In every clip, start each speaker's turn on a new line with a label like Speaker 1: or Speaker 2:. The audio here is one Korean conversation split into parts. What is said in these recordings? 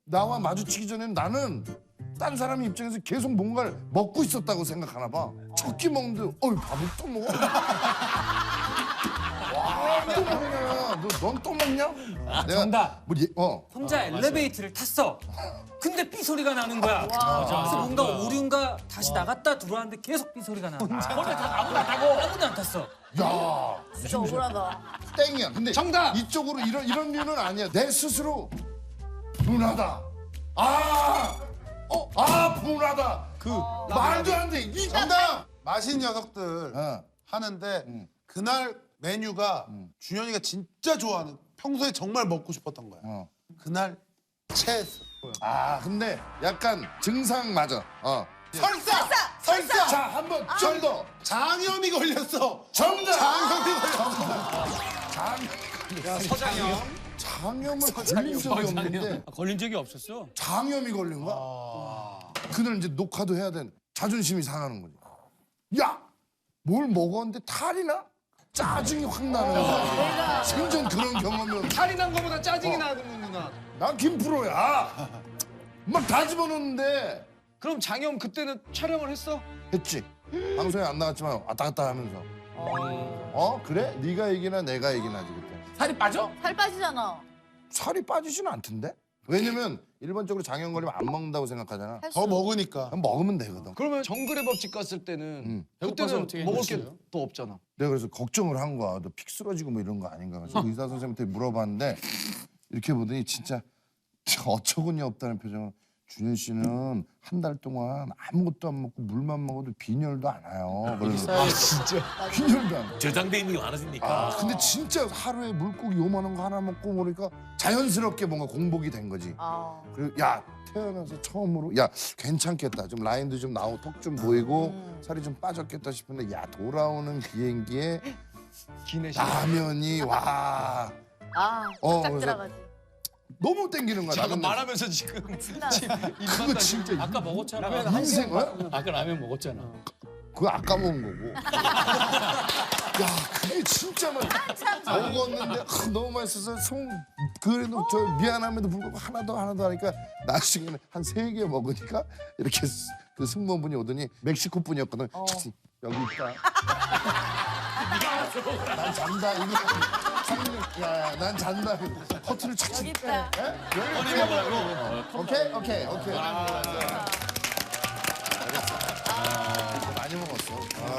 Speaker 1: 나와 마주치기 전에 나는 딴 사람 입장에서 계속 뭔가를 먹고 있었다고 생각하나 봐. 첫 끼 먹는데 밥을 또 먹어? 와, 또 먹냐? 넌 또 먹냐?
Speaker 2: 정답.
Speaker 1: 뭐
Speaker 2: 혼자 엘리베이터를 탔어. 근데 삐 소리가 나는 거야. 그래서 뭔가 오류인가 다시 나갔다 들어왔는데 계속 삐 소리가 나. 혼자 아무도 안 타고 아무도 안 탔어.
Speaker 1: 야,
Speaker 3: 진짜 억울하다.
Speaker 1: 땡이야. 근데
Speaker 4: 정답!
Speaker 1: 이쪽으로 이런 류는 아니야. 내 스스로 분하다. 분하다. 말도 안 돼. 이
Speaker 5: 정답! 맛있는 녀석들
Speaker 1: 어.
Speaker 5: 하는데 그날 메뉴가 준현이가 진짜 좋아하는 평소에 정말 먹고 싶었던 거야.
Speaker 1: 어.
Speaker 5: 그날 체했어.
Speaker 1: 근데 약간 증상 맞아.
Speaker 5: 설사!
Speaker 1: 자, 한번 좀 더.
Speaker 5: 장염이 걸렸어.
Speaker 1: 정답.
Speaker 5: 장염이 걸렸어.
Speaker 1: 장염을 걸린 적이 없는데
Speaker 4: 걸린 적이 없었어.
Speaker 1: 장염이 걸린 거야. 그날 이제 녹화도 해야 돼. 자존심이 상하는 거지. 야, 뭘 먹었는데 탈이 나? 짜증이 확 나는 거야. 생전 그런 경험은.
Speaker 4: 탈이 난 거보다 짜증이 나는구나.
Speaker 1: 난 김프로야. 막 다 집어넣는데
Speaker 4: 그럼 장염 그때는 촬영을 했어?
Speaker 1: 했지. 방송에 안 나갔지만 왔다 갔다 하면서. 그래? 네가 얘기나 내가 얘기나지 그때.
Speaker 4: 살이 빠져?
Speaker 3: 살 빠지잖아.
Speaker 1: 살이 빠지지는 않던데? 왜냐면 일반적으로 장염 걸리면 안 먹는다고 생각하잖아.
Speaker 5: 더 먹으니까.
Speaker 1: 그럼 먹으면 되거든.
Speaker 4: 그러면 정글의 법칙 갔을 때는 그때는 먹을 게 또 없잖아.
Speaker 1: 내가 그래서 걱정을 한 거야. 너 픽 쓰러지고 뭐 이런 거 아닌가. 그래서 의사 선생님한테 물어봤는데 이렇게 보더니 진짜 어처구니 없다는 표정을. 준현 씨는 한 달 동안 아무것도 안 먹고 물만 먹어도 빈혈도 안 와요. 그래서
Speaker 4: 진짜.
Speaker 1: 빈혈도 안 와.
Speaker 6: 저장돼 있는 게 많아지니까.
Speaker 1: 근데 진짜 하루에 물고기 요만한 거 하나 먹고 그러니까 자연스럽게 뭔가 공복이 된 거지. 그리고 야 태어나서 처음으로 야 괜찮겠다. 좀 라인도 좀 나오고 턱 좀 보이고 살이 좀 빠졌겠다 싶은데 야 돌아오는 비행기에
Speaker 4: 기내 시간.
Speaker 1: 라면이 와
Speaker 3: 딱
Speaker 1: 그래서
Speaker 3: 들어가지.
Speaker 1: 너무 땡기는 거야.
Speaker 4: 잠깐
Speaker 1: 나는
Speaker 4: 말하면서 지금
Speaker 1: 그거 진짜
Speaker 6: 아까 먹었잖아.
Speaker 1: 인생
Speaker 6: 아까 라면 먹었잖아.
Speaker 1: 그거 아까 먹은 거고. 야, 그게 진짜 먹었는데 너무 맛있어서 그래도 저 미안함에도 불구하고 하나 더 하니까 나중에는 한 3개 먹으니까 이렇게 그 승무원분이 오더니 멕시코 분이었거든. 여기 있다. 난 잔다. 이거 난 잔다. 커트를 착.
Speaker 3: 여기 있다.
Speaker 1: 여기 먹으라고. 오케이. 많이 먹었어.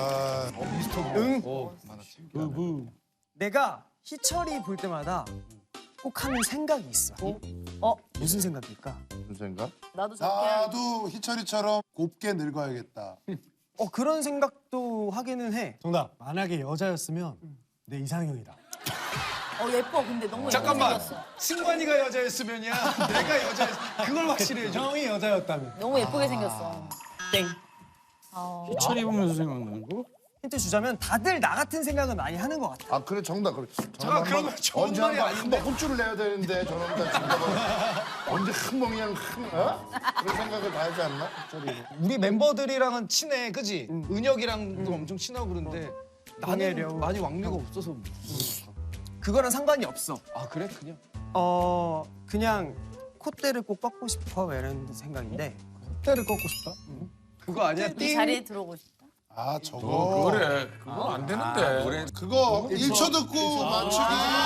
Speaker 7: 내가 희철이 볼 때마다 꼭 하는 생각이 있어. 무슨 생각일까?
Speaker 1: 무슨 생각?
Speaker 3: 나도 저렇게 해야겠다.
Speaker 5: 나도 희철이처럼 곱게 늙어야겠다.
Speaker 7: 그런 생각도 하기는 해.
Speaker 8: 정답. 만약에 여자였으면 내 이상형이다.
Speaker 3: 예뻐. 근데 너무
Speaker 4: 잠깐만.
Speaker 3: 예쁘게 생겼어.
Speaker 4: 승관이가 여자였으면이야. 내가 여자였. 그걸 확실히 해줘.
Speaker 8: 형이 여자였다면.
Speaker 3: 너무 예쁘게 생겼어.
Speaker 7: 땡.
Speaker 6: 희철이 보면서 생각나는 거?
Speaker 7: 힌트 주자면 다들 나 같은 생각을 많이 하는 것 같아.
Speaker 1: 그래 정답. 그래.
Speaker 4: 잠깐, 그러면 좋은 말이 아닌데?
Speaker 1: 한번 혼쭐을 내야 되는데 저놈들 정답을 언제 그냥 그런 생각을 다 하지 않나? 저리.
Speaker 4: 우리 멤버들이랑은 친해, 그지? 은혁이랑도 엄청 친하고 그런데 나는
Speaker 7: 왕래려.
Speaker 4: 많이 왕래가 없어서.
Speaker 7: 그거랑 상관이 없어.
Speaker 4: 그래? 그냥?
Speaker 7: 그냥 콧대를 꼭 꺾고 싶어 이런 생각인데.
Speaker 8: 때를 꺾고 싶다.
Speaker 4: 그거 아니야?
Speaker 3: 이 자리에 들어오고 싶다.
Speaker 5: 저거.
Speaker 6: 그래. 그거 안 되는데.
Speaker 5: 그거 1초 듣고 맞추기.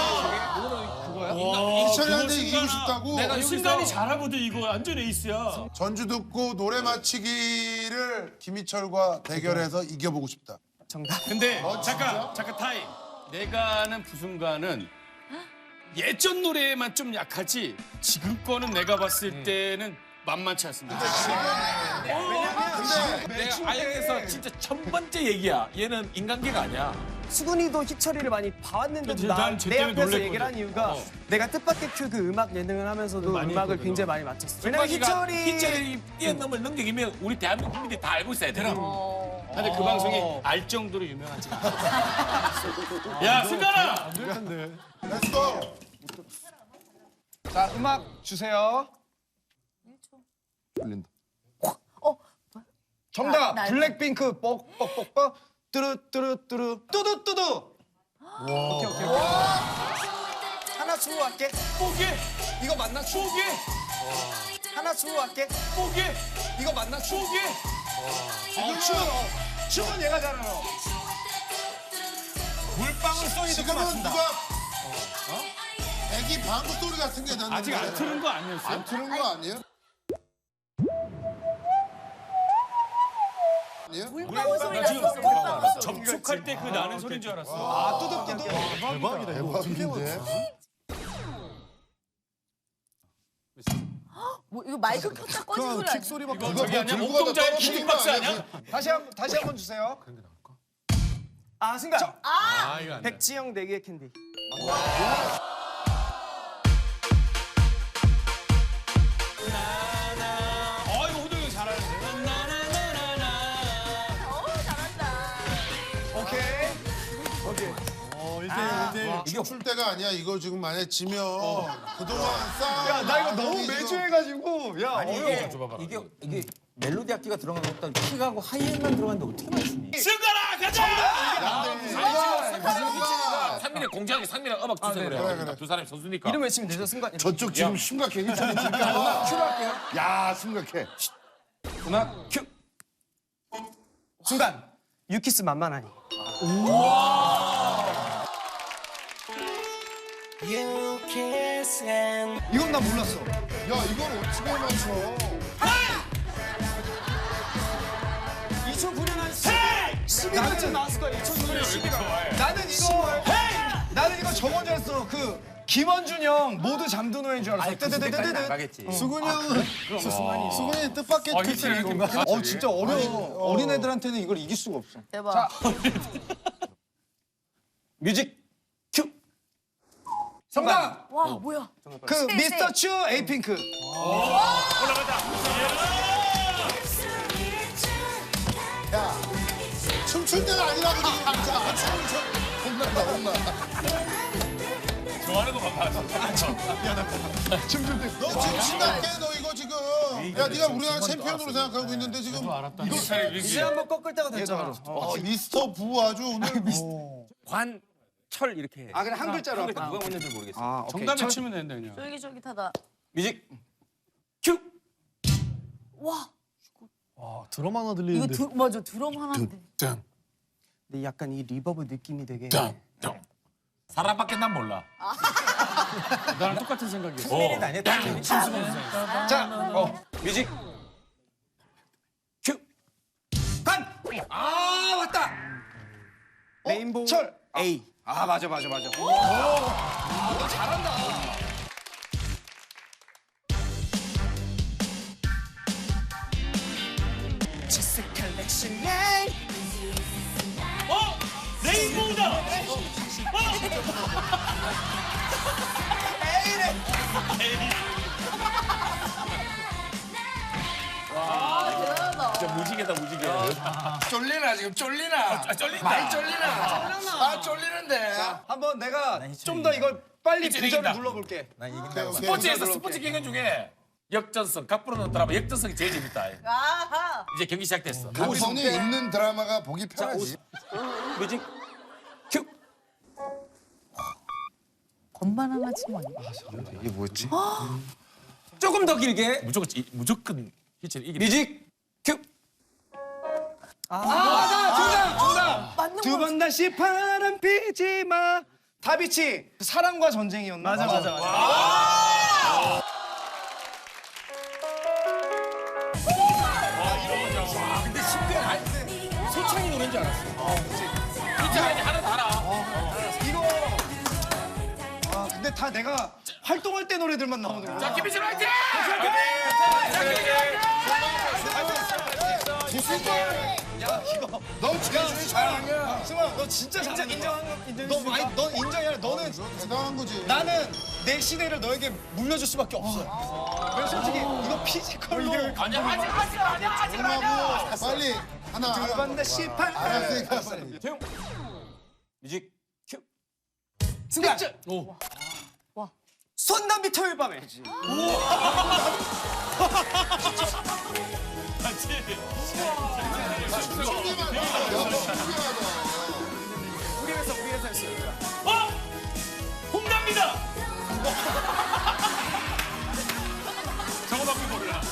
Speaker 5: 희철이한테 이기고 싶다고.
Speaker 6: 내가 순간이 잘하거든 이거. 완전 에이스야.
Speaker 5: 전주 듣고 노래 맞히기를 김희철과 대결해서 이겨보고 싶다.
Speaker 7: 정답.
Speaker 6: 근데 잠깐 타임. 내가 아는 부순간은 예전 노래에만 좀 약하지 지금 거는 내가 봤을 때는 만만치 않습니다. 내가 아역에서 진짜 첫 번째 얘기야. 얘는 인간계가 아니야.
Speaker 7: 수근이도 희철이를 많이 봐왔는데도
Speaker 6: 그치,
Speaker 7: 내
Speaker 6: 난쟤 때문에
Speaker 7: 앞에서
Speaker 6: 놀랬거든.
Speaker 7: 얘기를 한 이유가 내가 뜻밖의 그 음악 예능을 하면서도
Speaker 6: 많이
Speaker 7: 음악을
Speaker 6: 했거든.
Speaker 7: 굉장히 많이 맞췄어. 왜냐면
Speaker 6: 희철이 뛰어넘을 능력이면 우리 대한민국 국민들이 다 알고 있어야 되나? 근데 그 방송이 알 정도로 유명하지 않아. 야, 승관아!
Speaker 5: 렛츠고!
Speaker 4: 자, 음악 주세요.
Speaker 1: 풀린다.
Speaker 4: 정답!
Speaker 3: 나
Speaker 4: 블랙핑크 뻑뻑뻑뻑 뚜루뚜루뚜루 뚜두뚜두. 오케이.
Speaker 7: 하나 주고 갈게.
Speaker 6: 뽀개!
Speaker 4: 이거 맞나?
Speaker 6: 뽀개!
Speaker 7: 수학계.
Speaker 6: 포기.
Speaker 4: 이거 맞나?
Speaker 6: 포기.
Speaker 4: 춤은 얘가 잘 알아.
Speaker 6: 물방울 소리 듣고
Speaker 5: 지금은
Speaker 6: 맞춘다.
Speaker 5: 누가 애기 방구 소리 같은 게 났는데
Speaker 6: 아직 안 틀은 거 아니었어요?
Speaker 1: 안 틀은 거 아니에요? 아니에요?
Speaker 3: 물방울 소리
Speaker 6: 나 지금
Speaker 3: 났었어. 물방울 소리.
Speaker 6: 접촉할 때 그 나는 소리인 줄 알았어.
Speaker 4: 아, 뚜둑뚜둑.
Speaker 1: 대박인데.
Speaker 3: 뭐 이거 마이크 켰다 꺼진 소리 아니야?
Speaker 8: 소리밖에
Speaker 6: 이거 저기 아니야?
Speaker 1: 들고 가다
Speaker 6: 옥동자의
Speaker 1: 떨어지는
Speaker 6: 기립박스
Speaker 1: 거 아니야?
Speaker 6: 아니야?
Speaker 4: 다시 한 번 주세요.
Speaker 7: 아 순간.
Speaker 8: 아 이거 안 돼.
Speaker 7: 백지영 내기의 캔디.
Speaker 6: 이거 호동이 잘하는데.
Speaker 3: 잘한다.
Speaker 4: 오케이.
Speaker 5: 춤출 때가 아니야. 이거 지금 만약에 지면 그동안 쌓아.
Speaker 4: 야, 나 이거 너무 매주 해가지고. 야, 어려워.
Speaker 2: 이게 멜로디 악기가 들어간 것보다 킥하고 하이엔만 들어갔는데 어떻게 맞추니?
Speaker 6: 승관아 가자!
Speaker 9: 상민이 공지하기 상민이랑 음악 주세요 그래. 두 사람이 선수니까.
Speaker 7: 이름 외치면 되죠 순간.
Speaker 1: 저쪽 지금 심각해. 일단 음악 큐로 할게요. 야, 심각해.
Speaker 2: 음악 큐.
Speaker 7: 순간. 유키스 만만하니.
Speaker 4: 이건 나 몰랐어.
Speaker 1: 야, 이걸 어떻게 맞춰?
Speaker 7: 2009년 한 11월쯤 나왔을 거야. 2009년 11월.
Speaker 4: 나는 이거 저건 줄 알았어. 그 김원준 형 모두 잠든 후인 줄 알았어. 뜨뜨뜨뜨뜨.
Speaker 9: 가겠지.
Speaker 5: 수근이 형은 수근이 뜻밖의
Speaker 6: 히트를
Speaker 5: 이건가?
Speaker 4: 진짜 어려워. 어린 애들한테는 이걸 이길 수가 없어.
Speaker 3: 대박.
Speaker 2: 뮤직 큐.
Speaker 4: 정답.
Speaker 3: 와 뭐야?
Speaker 4: 그 미스터 츄 에이핑크.
Speaker 5: 춤출 때가 아니라고 지금 진짜.
Speaker 1: 혼난다, 혼나.
Speaker 6: 좋아하는 거 봐봐.
Speaker 5: 너 지금 심각해. 너 이거 지금. 야, 네가 우리나라 챔피언으로 생각하고 있는데 지금
Speaker 7: 이제 한번 꺾을 때가 됐잖아.
Speaker 5: 미스터 부 아주 오늘
Speaker 9: 관철 이렇게.
Speaker 4: 아, 그래 한 글자로
Speaker 9: 누가
Speaker 4: 할까?
Speaker 9: 먼저인지 모르겠어.
Speaker 4: 아, 오케이.
Speaker 6: 정답 맞추면 된다 그냥.
Speaker 3: 쫄깃쫄깃하다.
Speaker 2: 뮤직 큐.
Speaker 3: 와
Speaker 8: 드럼 하나
Speaker 3: 이거
Speaker 8: 들리는데.
Speaker 3: 맞아 드럼 하나인데.
Speaker 7: 근데 약간 이 리버브 느낌이 되게.
Speaker 9: 사람밖에 난 몰라.
Speaker 6: 나랑 똑같은 생각이었어.
Speaker 4: 자,
Speaker 2: 뮤직 큐.
Speaker 7: 아 왔다. 레인보우
Speaker 4: 철.
Speaker 7: A.
Speaker 4: 아, 맞아.
Speaker 6: 레인보우다.
Speaker 3: 대단하다.
Speaker 9: 진짜 무지개다 무지개.
Speaker 5: 쫄리나 지금 쫄리나.
Speaker 9: 쫄린다.
Speaker 5: 많이 쫄리나. 아, 쫄리는데.
Speaker 4: 한번 내가 좀 더 이걸 빨리
Speaker 9: 이제
Speaker 4: 부전을
Speaker 9: 이긴다.
Speaker 4: 눌러볼게.
Speaker 9: 스포츠에서 스포츠 경연 중에 역전성, 각부로 넣는 드라마 역전성이 제일 재밌다.
Speaker 3: 아하.
Speaker 9: 이제 경기 시작됐어.
Speaker 1: 감성이 있는 드라마가 보기 편하지.
Speaker 2: 뮤직 큐.
Speaker 3: 건반 하나 치면
Speaker 1: 이게 뭐였지?
Speaker 2: 조금 더 길게.
Speaker 9: 무조건 희철이 이기다.
Speaker 2: 뮤직 큐.
Speaker 4: 정답.
Speaker 3: 맞는
Speaker 4: 두
Speaker 3: 거.
Speaker 4: 번 다시 바람 피지 마. 다비치 사랑과 전쟁이었나? 맞아.
Speaker 9: 근데 심지어 소창이 노래인 줄 알았어. 진짜 하나 다 알아.
Speaker 4: 이거 근데 다 내가 활동할 때 노래들만 나오는 거야.
Speaker 9: 자, 김희철 화이팅!
Speaker 1: 너 제일 잘하냐?
Speaker 4: 승아, 너 진짜 인정한 거 넌 인정이 아니라 너는
Speaker 5: 대단한 거지.
Speaker 4: 나는 내 시대를 너에게 물려줄 수밖에 없어. 그래서 솔직히 이거 피지컬로
Speaker 9: 아니야, 하지 마.
Speaker 5: 하고 빨리 하나.
Speaker 4: 두 번 다시 바람.
Speaker 5: 알았으니까 빨리.
Speaker 2: 뮤직 큐.
Speaker 7: 순간.
Speaker 3: 와.
Speaker 7: 손담비 토요일 밤에.
Speaker 4: 우리 회사 했어요.
Speaker 6: 홍답니다. 저거밖에 몰라.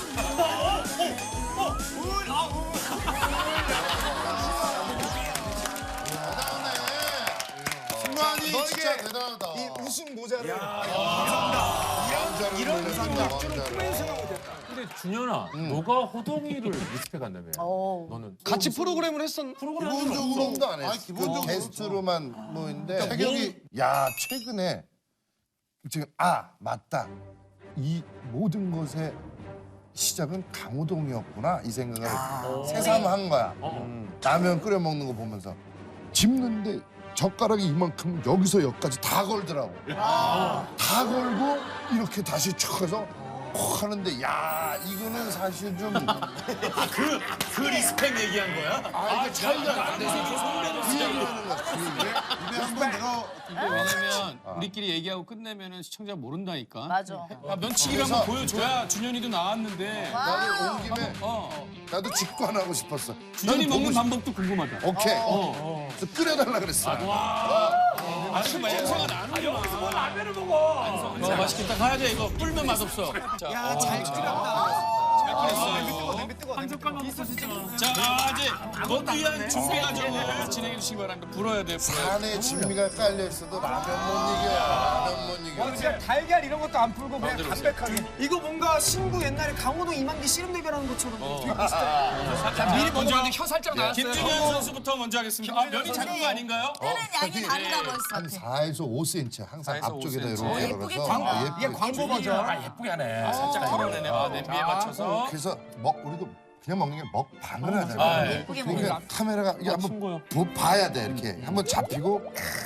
Speaker 9: 근데 준현아, 너가 호동이를 리스펙한다며. 너는
Speaker 4: 같이 프로그램을 했었.
Speaker 1: 기본적으로도 안 했어.
Speaker 5: 기본적으로
Speaker 1: 게스트로만 뭐인데.
Speaker 5: 태경이
Speaker 1: 야 최근에 지금 맞다. 이 모든 것의 시작은 강호동이었구나 이 생각을 새삼한 거야. 라면 끓여 먹는 거 보면서 집는데 젓가락이 이만큼 여기서 여기까지 다 걸더라고. 다 걸고 이렇게 다시 촥 해서 콕 하는데 야 이거는 사실 좀
Speaker 6: 그 리스펙 얘기한 거야?
Speaker 1: 이게 차이가 안 돼서 그 얘기하는 거야.
Speaker 5: 입에 한번 내가
Speaker 6: 왜냐면 우리끼리 얘기하고 끝내면은 시청자 모른다니까.
Speaker 3: 맞아.
Speaker 6: 면치기를 한번 보여줘야 준현이도 나왔는데.
Speaker 1: 나도 온 김에 나도 직관하고 싶었어.
Speaker 6: 준현이
Speaker 1: 나도
Speaker 6: 먹는
Speaker 1: 보고
Speaker 6: 방법도 궁금하다.
Speaker 1: 오케이. 그래서 끓여달라 그랬어.
Speaker 6: 아니 냄새가 나는
Speaker 9: 여기서 뭐 라면을 먹어.
Speaker 6: 맛있겠다. 가야 돼 이거. 불면 맛없어.
Speaker 4: 야잘 끓였다.
Speaker 9: 한 젓갈 먹었어 진짜.
Speaker 6: 자 이제 너도 위한 준비 과정을 진행해 주시기 바랍니다. 불어야 돼.
Speaker 1: 산에 진미가 깔려 있어도 라면 못 이겨. 라면 못 이겨.
Speaker 4: 그냥 달걀 이런 것도 안 풀고 그냥 담백하게. 이거 뭔가 신구 옛날에 강호동 이만기 씨름 대결하는 것처럼 되게 비슷해.
Speaker 6: 자 미리 먼저 하는데 혀 살짝 나왔어요. 김준현 선수부터 먼저 하겠습니다. 면이 작은 거 아닌가요?
Speaker 3: 때는 양이 다르다고
Speaker 1: 한
Speaker 3: 했어.
Speaker 1: 4에서 5cm 항상
Speaker 6: 4에서
Speaker 1: 앞쪽에다
Speaker 6: 5cm.
Speaker 1: 이렇게
Speaker 3: 예쁘게
Speaker 1: 걸어서
Speaker 3: 튀겨.
Speaker 4: 이게 광고 버전.
Speaker 9: 예쁘게 하네.
Speaker 6: 살짝 털어내네. 냄비에 맞춰서.
Speaker 1: 그래서 우리도 그냥 먹는 게 먹방을 하잖아.
Speaker 3: 예쁘게
Speaker 1: 그러니까 카메라가 이게 한번 봐야 돼 이렇게 한번 잡히고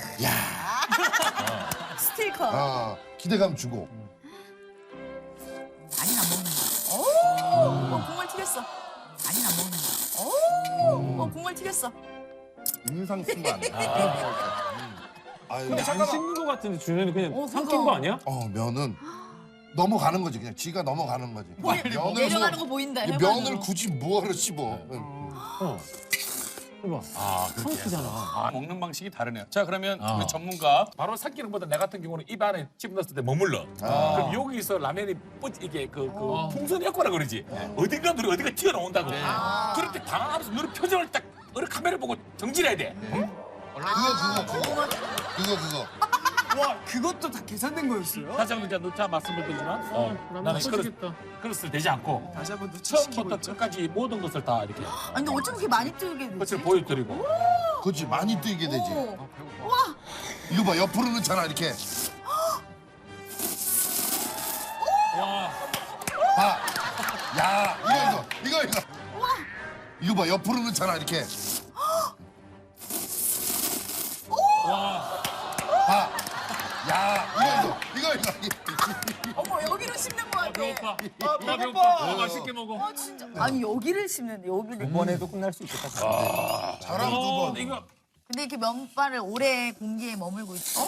Speaker 3: 스틸커.
Speaker 1: 기대감 주고
Speaker 3: 많이 안 먹는다. 국물 튀겼어. 많이 안 먹는다. 국물 튀겼어.
Speaker 1: 인상 쓴 거 아니야?
Speaker 9: 근데 안 씹는 거 같은데 준현이 그냥 삼킨 거 아니야?
Speaker 1: 면은 넘어가는 거지 그냥 지가 넘어가는 거지.
Speaker 3: 내려가는 거 보인다.
Speaker 1: 이 면을 굳이 뭐하러 씹어?
Speaker 9: 삼키잖아.
Speaker 6: 먹는 방식이 다르네요. 자 그러면 우리 전문가
Speaker 9: 바로 삼키는 것보다 내 같은 경우는 입 안에 집어넣었을 때 머물러. 그럼 여기서 라면이 이게 그 풍선 효과라 그러지. 어딘가 누리 어디가 튀어나온다고. 그럴 때 당황하면서 누리 표정을 딱 카메라 보고 정진해야 돼.
Speaker 1: 그거.
Speaker 4: 와 그것도 다 계산된 거였어요?
Speaker 9: 사장님께 너자 말씀을 드리지만 나는 그릇을 대지 않고
Speaker 4: 다시 한번
Speaker 9: 처음부터 끝까지 모든 것을 다 이렇게
Speaker 3: 아니 근데 어쩜 그렇게 많이 뜨게 되지?
Speaker 9: 것을 보여드리고
Speaker 1: 그렇지 많이 뛰게 되지.
Speaker 3: 오.
Speaker 1: 이거 봐 옆으로 넣잖아 이렇게. 봐. 야 이거. 이거 봐 옆으로 넣잖아 이렇게. 봐. 야 이거.
Speaker 3: 어머 여기로 씹는 거 같아.
Speaker 9: 배고파.
Speaker 4: 배고파.
Speaker 9: 맛있게 먹어.
Speaker 3: 진짜. 아니 여기를 씹는데 여기를.
Speaker 7: 이번에도 끝날 수 있겠다.
Speaker 5: 잘하면 두 번.
Speaker 9: 이거
Speaker 3: 근데 이렇게 면발을 오래 공기에 머물고 있어.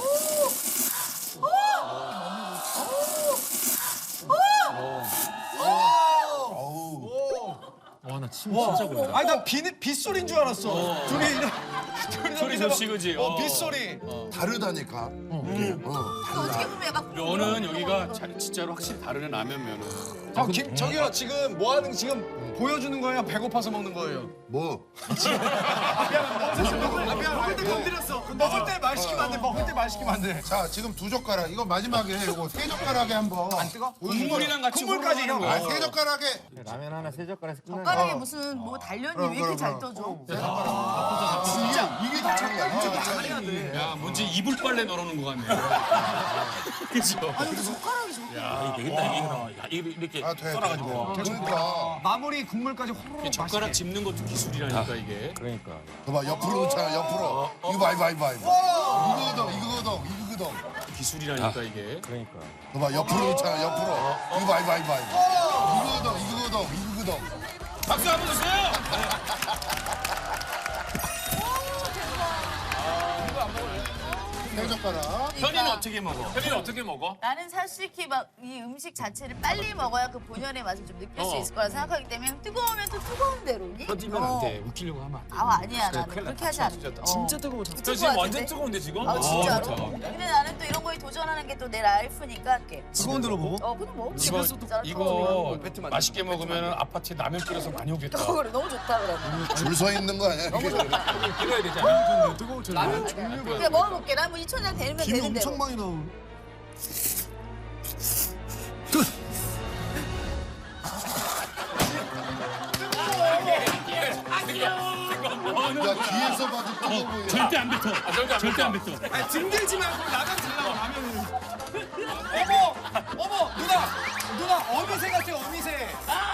Speaker 9: 와나 진짜 그래.
Speaker 4: 아니 난 빗소리인 줄 알았어. 둘이
Speaker 6: 소리 좋지 그지?
Speaker 4: 빗소리.
Speaker 1: 다르다니까.
Speaker 3: 어떻게 보면 약간
Speaker 6: 면은 여기가 진짜로 확실히 다르네 라면 면은.
Speaker 4: 저기요 지금 뭐 하는 지금 보여주는 거예요? 배고파서 먹는 거예요?
Speaker 1: 뭐?
Speaker 4: 먹을 때 건드렸어. 먹을 때 말 시키면 안 돼. 먹을 때 말 시키면 안 돼.
Speaker 5: 자 지금 2젓가락 이거 마지막에 이거 3젓가락에 한번 안 뜨거?
Speaker 6: 국물이랑 같이
Speaker 4: 국물까지
Speaker 6: 흐르는
Speaker 4: 이런
Speaker 6: 거.
Speaker 5: 3젓가락에
Speaker 7: 라면 하나 세 젓가락에서 끝나는
Speaker 3: 젓가락에 무슨 뭐 단련이 왜 이렇게 잘 떠줘?
Speaker 1: 이게 다른 거야.
Speaker 6: 야 뭔지 이불 빨래 널어놓은 거 같네. 그죠?
Speaker 3: 아니 근데 젓가락이 저렇게.
Speaker 9: 야 되겠다 이거 이렇게
Speaker 5: 돼.
Speaker 9: 썰어가지고.
Speaker 1: 그러니까.
Speaker 4: 마무리 국물까지 호로록
Speaker 6: 젓가락 짚는 것도 기술이라니까 이게.
Speaker 7: 그러니까.
Speaker 1: 봐봐 옆으로 넣잖아 옆으로. 이거 봐. 이거거든.
Speaker 6: 기술이라니까 이게.
Speaker 7: 그러니까.
Speaker 1: 봐봐 옆으로 넣잖아 옆으로. 이거 봐. 이거거든.
Speaker 6: 박수 한번 주세요.
Speaker 1: 세 젓가락.
Speaker 6: 현이는 어떻게 먹어?
Speaker 9: 현이는 어떻게 먹어?
Speaker 3: 나는 솔직히 막 이 음식 자체를 빨리 먹어야 그 본연의 맛을 좀 느낄 수 있을 거라 생각하기 때문에 뜨거우면 또 뜨거운 대로니.
Speaker 6: 터지면 안 돼. 웃기려고 하면 안 돼.
Speaker 3: 아니야 나는 그렇게 하지 않는다.
Speaker 4: 진짜 뜨거워.
Speaker 9: 저 지금 완전 뜨거운데 지금?
Speaker 3: 진짜로? 근데 나는 또 이런 거에 도전하는 게 또 내 라이프니까 이렇게.
Speaker 4: 뜨거운 대로 먹어?
Speaker 3: 그냥 먹어.
Speaker 6: 이거 맛있게 먹으면 아파트에 라면 끓여서 많이 오겠다.
Speaker 3: 그래 너무 좋다 그래.
Speaker 1: 줄 서 있는 거 아니야? 이렇게.
Speaker 9: 길어야 되잖아.
Speaker 4: 라면 종류가.
Speaker 3: 그냥 먹어볼게. 난 뭐 2,000원 되면
Speaker 5: 김이
Speaker 3: 되는 대로.
Speaker 5: 엄청 많이 나오네.
Speaker 1: 야 뒤에서 봐도 뜨거워 보여.
Speaker 6: 절대 안 뱉어. 절대 안 뱉어.
Speaker 4: 아니, 등들지 말고 나가 달라고 라면을. 어머 누나 어미새 같아 어미새.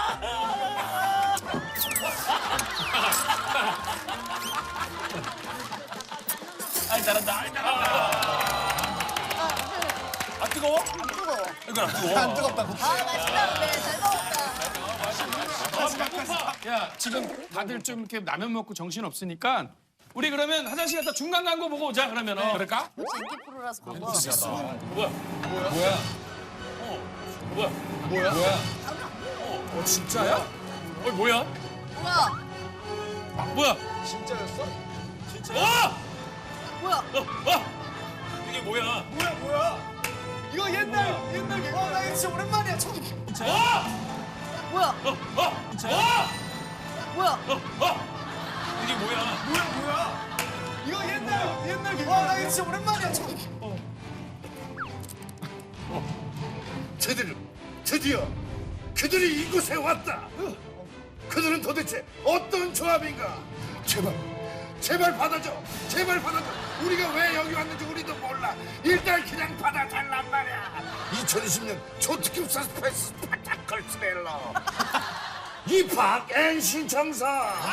Speaker 9: 아이 잘한다. 아이 잘한다. 안 뜨거워?
Speaker 3: 안 뜨거워.
Speaker 9: 이거 안 뜨거워.
Speaker 4: 안 뜨겁다고.
Speaker 3: 아 맛있다는데 잘 먹었다.
Speaker 6: 야 지금 다들 좀 이렇게 라면 먹고 정신 없으니까 우리 그러면 화장실 갔다 중간 광고 보고 오자 그러면은.
Speaker 9: 그럴까?
Speaker 3: 역시 인기 프로라서 그런 거.
Speaker 9: 뭐야?
Speaker 6: 진짜야? 뭐야?
Speaker 3: 뭐야?
Speaker 6: 뭐야?
Speaker 4: 진짜였어?
Speaker 3: 뭐야?
Speaker 9: 이게 뭐야?
Speaker 4: 뭐야? 이거 옛날 게. 나 이거 진짜 오랜만이야. 처음.
Speaker 3: 뭐야? 뭐야?
Speaker 9: 이게 뭐야?
Speaker 4: 이거 옛날 게. 나 이거 진짜 오랜만이야. 처음.
Speaker 1: 드디어 그들이 이곳에 왔다. 그들은 도대체 어떤 조합인가? 제발 받아줘. 제발 받아줘. 우리가 왜 여기 왔는지 우리도 몰라. 일단 그냥 받아달란 말이야. 2020년 초특급 서스펜스 스파타클 스릴러 입학 앤 신청서.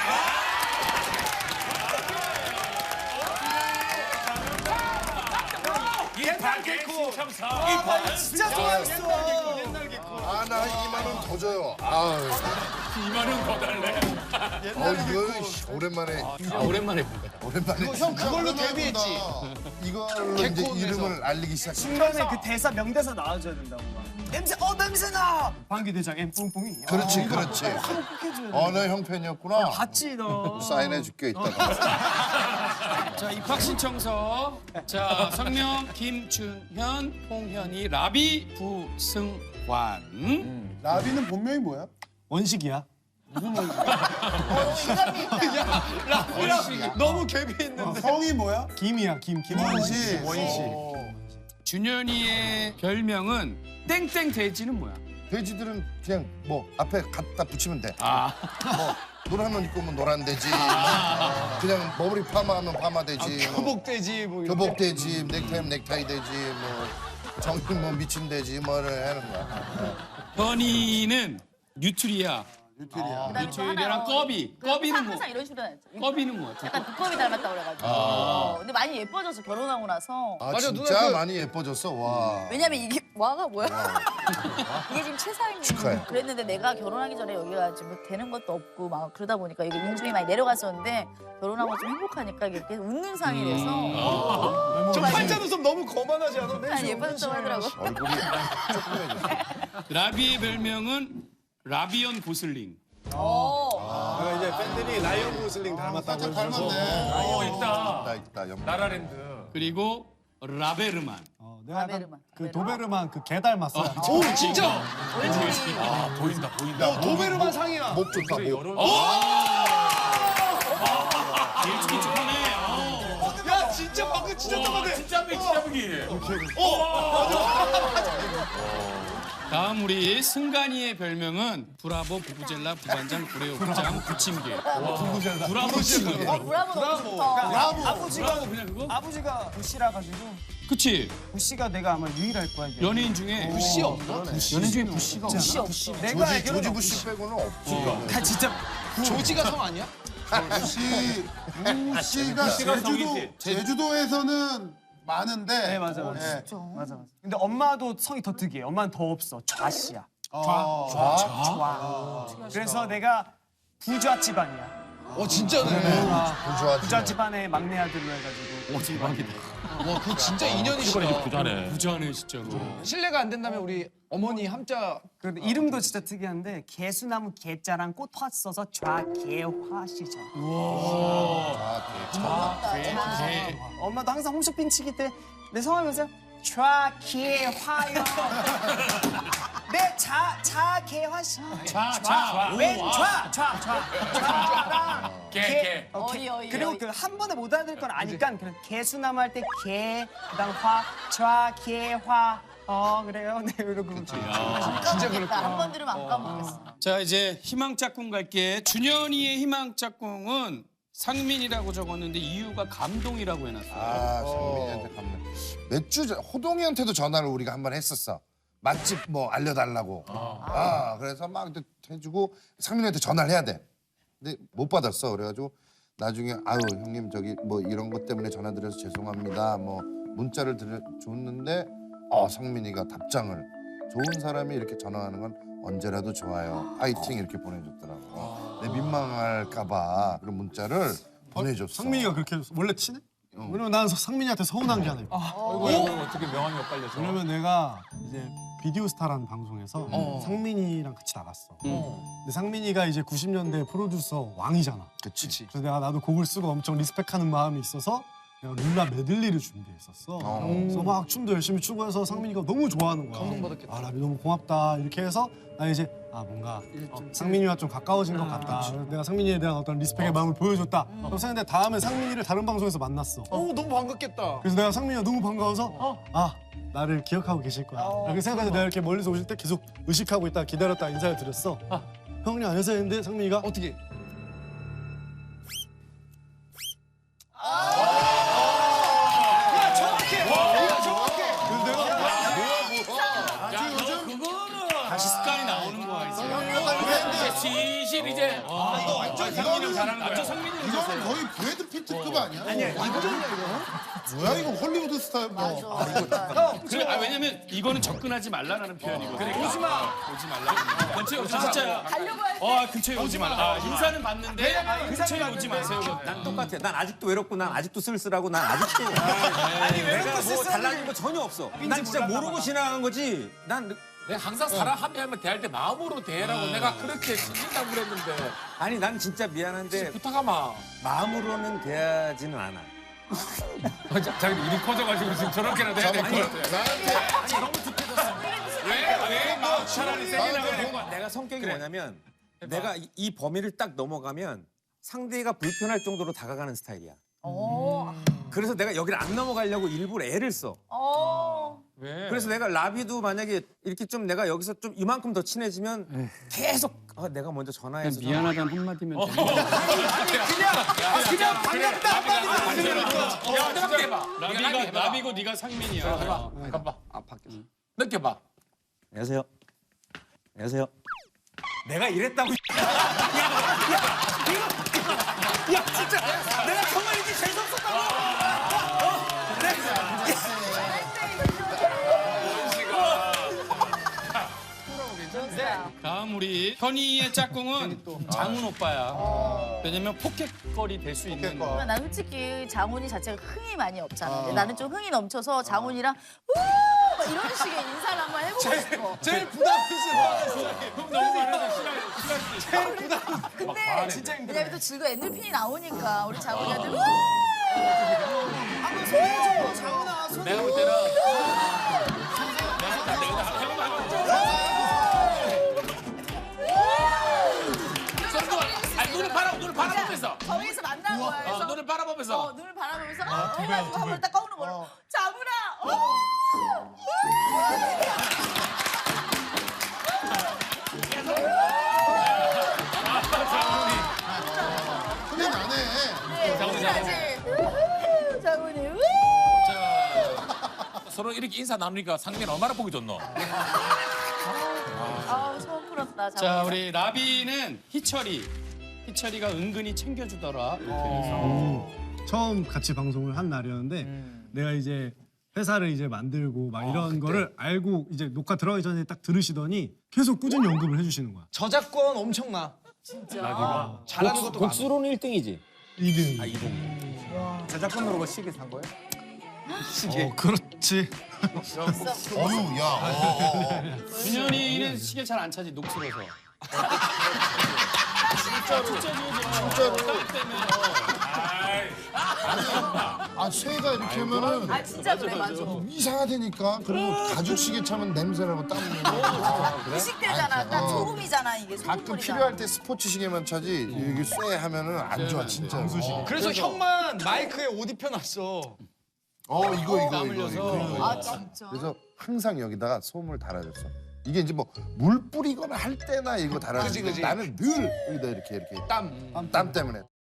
Speaker 4: 옛날 개코.
Speaker 9: 참사.
Speaker 4: 진짜 좋아했어. 옛날 개코.
Speaker 1: 나 2만 원 더 줘요. 아유.
Speaker 9: 2만 원 더 달래.
Speaker 1: 이거 오랜만에.
Speaker 6: 오랜만에 본 거다.
Speaker 1: 오랜만에.
Speaker 4: 형 그걸로 데뷔했지.
Speaker 1: 이걸로 이제
Speaker 4: 개콘에서.
Speaker 1: 이름을 알리기 시작했어.
Speaker 7: 중간에 그 대사 명대사 나와줘야 된다고 막. 냄새 나. 방귀 대장 M 뿡뿡이.
Speaker 1: 그렇지.
Speaker 7: 꼭 해줘야 돼.
Speaker 1: 너 형 팬이었구나.
Speaker 7: 봤지 너.
Speaker 1: 사인해줄게 이따가.
Speaker 6: 자 입학 신청서. 자 성명 김준현, 홍현희, 라비, 부승환.
Speaker 5: 라비는 본명이 뭐야?
Speaker 7: 원식이야.
Speaker 3: 인간미 있다.
Speaker 4: 라비랑 너무 갭이 있는데.
Speaker 5: 성이 뭐야?
Speaker 7: 김이야
Speaker 5: 원시.
Speaker 6: 준현이의 별명은 땡땡 돼지는 뭐야?
Speaker 1: 돼지들은 그냥 뭐 앞에 갖다 붙이면 돼.
Speaker 6: 아.
Speaker 1: 뭐 노란 옷 입고 오면 노란 돼지. 그냥 머리 파마하면 파마 돼지. 뭐
Speaker 4: 교복돼지 뭐 이런.
Speaker 1: 교복 돼지, 넥타이면 넥타이 돼지. 뭐 정신 뭐 미친 돼지 뭐를 하는 거야.
Speaker 6: 현이는 뉴트리아.
Speaker 5: 뉴트리아.
Speaker 3: 그다음에 또
Speaker 6: 뉴트리아랑
Speaker 3: 하나,
Speaker 6: 꺼비.
Speaker 3: 그
Speaker 6: 꺼비는 뭐?
Speaker 3: 항상 이런 식으로 다녔죠.
Speaker 6: 꺼비는 뭐야?
Speaker 3: 약간 두꺼비 닮았다 그래가지고. 근데 많이 예뻐졌어 결혼하고 나서.
Speaker 1: 아
Speaker 4: 맞아,
Speaker 1: 진짜
Speaker 4: 누나 그-
Speaker 1: 많이 예뻐졌어. 와.
Speaker 3: 왜냐면 이게 와가 뭐야? 이게 지금 최상위.
Speaker 1: 축하해.
Speaker 3: 그랬는데 내가 결혼하기 전에 여기가 지금 되는 것도 없고 막 그러다 보니까 이게 인중이 많이 내려갔었는데 결혼하고 좀 행복하니까 이게 계속 웃는 상이 돼서
Speaker 4: 저 팔자 눈썹 너무 거만하지 않아?
Speaker 3: 많이 예뻐졌다고 하더라고.
Speaker 1: 얼굴이 조그매졌어.
Speaker 6: 라비의 별명은 라비언 고슬링.
Speaker 4: 내가 이제 팬들이 라이언 고슬링 닮았다고
Speaker 5: 살짝
Speaker 4: 해서.
Speaker 5: 닮았네.
Speaker 9: 있다.
Speaker 1: 있다. 연.
Speaker 9: 나라랜드.
Speaker 6: 그리고 라베르만.
Speaker 7: 내가 약간
Speaker 3: 라베르만.
Speaker 7: 그 도베르만 그 개 닮았어.
Speaker 4: 오 진짜.
Speaker 9: 아 보인다.
Speaker 4: 도베르만 상이야.
Speaker 1: 목 좋다. 목.
Speaker 6: 일찍이 축하네.
Speaker 4: 야 진짜 방금 진짜 똑같아.
Speaker 9: 진짜 보기.
Speaker 6: 다음 우리 승관이의 별명은 브라보, 부부젤라, 부반장, 구레오, 부장, 부침개. 브라보 부침개.
Speaker 3: 브라보 너무 좋다.
Speaker 7: 아버지가
Speaker 6: 그냥 그거?
Speaker 7: 아버지가 부시라 가지고
Speaker 6: 그치?
Speaker 7: 부시가 내가 아마 유일할 거야. 이게.
Speaker 6: 연예인 중에 부시 없나? 연예인 중에 부시가 없나?
Speaker 7: 내가
Speaker 1: 조지
Speaker 7: 알기로는
Speaker 1: 부시 빼고는 없지.
Speaker 7: 다 진짜
Speaker 4: 조지가 성 아니야?
Speaker 5: 부시가 제주도에서는 많은데.
Speaker 7: 네 맞아. 맞아. 근데 엄마도 성이 더 특이해. 엄마는 더 없어. 좌씨야. 좌. 그래서 내가 부좌 집안이야.
Speaker 4: 진짜네.
Speaker 7: 부좌 집안의 막내 아들로 해가지고.
Speaker 4: 와 그거 진짜 인연이시다.
Speaker 9: 부자네.
Speaker 6: 부자네 진짜로.
Speaker 4: 실례가 안 된다면 우리 어머니 함자.
Speaker 7: 근데 이름도 진짜 특이한데 개수나무 개자랑 꽃 화 써서 좌개화시죠. 엄마도 항상 홈쇼핑 치기 때 내 성함이면서 좌개화요. 내 자개화시. 좌랑
Speaker 9: 개.
Speaker 3: 어이.
Speaker 7: 그리고 그 한 번에 못 알아들 건 아니까 그냥 개수나무 할 때 개, 그다음 화, 좌개화. 그래요. 네 이러고.
Speaker 3: 진짜 그렇다. 한 번 들으면 안 까먹겠어.
Speaker 6: 자 이제 희망 짝꿍 갈게. 준현이의 희망 짝꿍은 상민이라고 적었는데 이유가 감동이라고 해놨어요.
Speaker 1: 상민이한테 감동. 몇 주 전 호동이한테도 전화를 우리가 한 번 했었어. 맛집 뭐 알려달라고. 그래서 막 해주고 상민이한테 전화를 해야 돼. 근데 못 받았어. 그래가지고 나중에 아유 형님 저기 뭐 이런 것 때문에 전화드려서 죄송합니다. 뭐 문자를 줬는데 상민이가 답장을 좋은 사람이 이렇게 전화하는 건 언제라도 좋아요. 파이팅 이렇게 보내줬더라고. 내 민망할까봐 그런 문자를 보내줬어.
Speaker 8: 상민이가 그렇게 원래 친해? 왜냐면 난 상민이한테 서운한 게 하나 있고.
Speaker 9: 이거 어떻게 명함이 엇갈려서.
Speaker 8: 왜냐면 내가 이제 비디오 스타라는 방송에서 상민이랑 같이 나갔어. 근데 상민이가 이제 90년대 프로듀서 왕이잖아.
Speaker 1: 그치.
Speaker 8: 그래서 나도 곡을 쓰고 엄청 리스펙하는 마음이 있어서 내가 룰라 메들리를 준비했었어. 그래서 막 춤도 열심히 추고 해서 상민이가 너무 좋아하는 거야. 감동받았겠다. 아 라비 너무 고맙다 이렇게 해서 나 이제 뭔가 상민이와 좀 가까워진 것 같다. 그래서 내가 상민이에 대한 어떤 리스펙의 마음을 보여줬다. 그래서 근데 다음에 상민이를 다른 방송에서 만났어.
Speaker 5: 너무 반갑겠다.
Speaker 8: 그래서 내가 상민이가 너무 반가워서 나를 기억하고 계실 거야. 이렇게 생각해서 내가 이렇게 멀리서 오실 때 계속 의식하고 있다 기다렸다 인사를 드렸어. 형님 안녕하세요 했는데 상민이가
Speaker 5: 어떻게?
Speaker 6: 다시 습관이 나오는 거야 이제.
Speaker 9: 시실 이제.
Speaker 6: 상민이 잘하는 거야. 상민이
Speaker 1: 이거는 거의 브래드 피트급 아니야? 아니야 뭐야 이거 홀리우드 스타일 뭐.
Speaker 6: 그래, 왜냐면 이거는 접근하지 말라라는 표현이거든. 그러니까. 오지 말라. 근처에 오지 진짜야. 근처에 오지 말라. 인사는 받는데 근처에 오지 마세요.
Speaker 10: 난 똑같아. 난 아직도 외롭고 난 아직도 쓸쓸하고 난 아직도 내가 뭐 달라진 거 전혀 없어. 난 진짜 모르고 지나간 거지.
Speaker 9: 내가 항상 사람 한 명을 대할 때 마음으로 대라고 내가 그렇게 신긴다고 그랬는데.
Speaker 10: 아니 난 진짜 미안한데
Speaker 9: 부탁하마.
Speaker 10: 마음으로는 대하지는 않아.
Speaker 9: 자기 일이 커져가지고 지금 저렇게라도 해야 될 것 같아. 왜 마음 차라리 세게 나가야 될 것 같아.
Speaker 10: 내가 성격이 뭐냐면 내가 이 범위를 딱 넘어가면 상대가 불편할 정도로 다가가는 스타일이야. 그래서 내가 여기를 안 넘어가려고 일부러 애를 써.
Speaker 9: 왜?
Speaker 10: 그래서 내가 라비도 만약에 이렇게 좀 내가 여기서 좀 이만큼 더 친해지면 계속 내가 먼저 전화해서
Speaker 6: 미안하다는 한마디면 돼.
Speaker 10: 그냥 반갑다 한마디
Speaker 9: 해봐.
Speaker 6: 라비고 네가 상민이야.
Speaker 9: 가봐. 밖에서. 느껴봐.
Speaker 10: 안녕하세요. 안녕하세요. 내가 이랬다고. 야 진짜 내가 정말 이렇게 재수없었다고.
Speaker 6: 다음 우리 현이의 짝꿍은 장훈 오빠야. 왜냐면 포켓걸이 될 수 있는.
Speaker 3: 난 솔직히 장훈이 자체가 흥이 많이 없잖아. 근데 나는 좀 흥이 넘쳐서 장훈이랑 막 이런 식의 인사를 한번 해보고 싶어.
Speaker 5: 제일 부담스러워.
Speaker 6: 너무 많아서 싫어할
Speaker 3: 근데 왜냐면 또 즐거운 엔돌핀이 나오니까 우리 장훈이한테 한번 소해줘 장훈아.
Speaker 9: 내가 볼 때는 눈을 바라보면서.
Speaker 3: 거기서 만난 거야. 그래서
Speaker 9: 눈을 바라보면서.
Speaker 3: 눈을 바라보면서 해가지고 한번 딱 꺼는 거야. 장훈아.
Speaker 1: 흔히 나네.
Speaker 3: 장훈이.
Speaker 9: 서로 이렇게 인사 나누니까 상민 얼마나 보기 좋노?
Speaker 3: 소원 풀었다. 장훈이.
Speaker 6: 자, 우리 라비는 희철이가 은근히 챙겨주더라. 이렇게 해서.
Speaker 8: 처음 같이 방송을 한 날이었는데 내가 이제 회사를 이제 만들고 막 이런 거를 알고 이제 녹화 들어가기 전에 딱 들으시더니 계속 꾸준히 언급을 해주시는 거야.
Speaker 4: 저작권 엄청나.
Speaker 3: 진짜.
Speaker 4: 잘하는 것도 많아.
Speaker 10: 곡수로는 1등이지.
Speaker 8: 2등.
Speaker 10: 저작권으로 시계 산 거야?
Speaker 8: 그렇지.
Speaker 1: 어유 야.
Speaker 6: 준현이는 시계 잘 안 차지 녹슬어서.
Speaker 1: 쇠가 이렇게 하면은
Speaker 3: 진짜 그래 맞아.
Speaker 1: 이상하다니까. 그리고 가죽 시계 차면 냄새나고 땀 나고.
Speaker 3: 의식되잖아. 딱 소금이잖아 이게.
Speaker 1: 가끔
Speaker 3: 소금물이잖아.
Speaker 1: 필요할 때 스포츠 시계만 차지 이게 쇠 하면은 안 좋아 진짜.
Speaker 4: 그래서 형만 마이크에 옷 입혀놨어.
Speaker 1: 이거.
Speaker 3: 진짜.
Speaker 1: 그래서 항상 여기다가 솜을 달아줬어. 이게 이제 뭐 물 뿌리거나 할 때나 이거 달아주는데 나는 늘 여기다 이렇게 땀 때문에.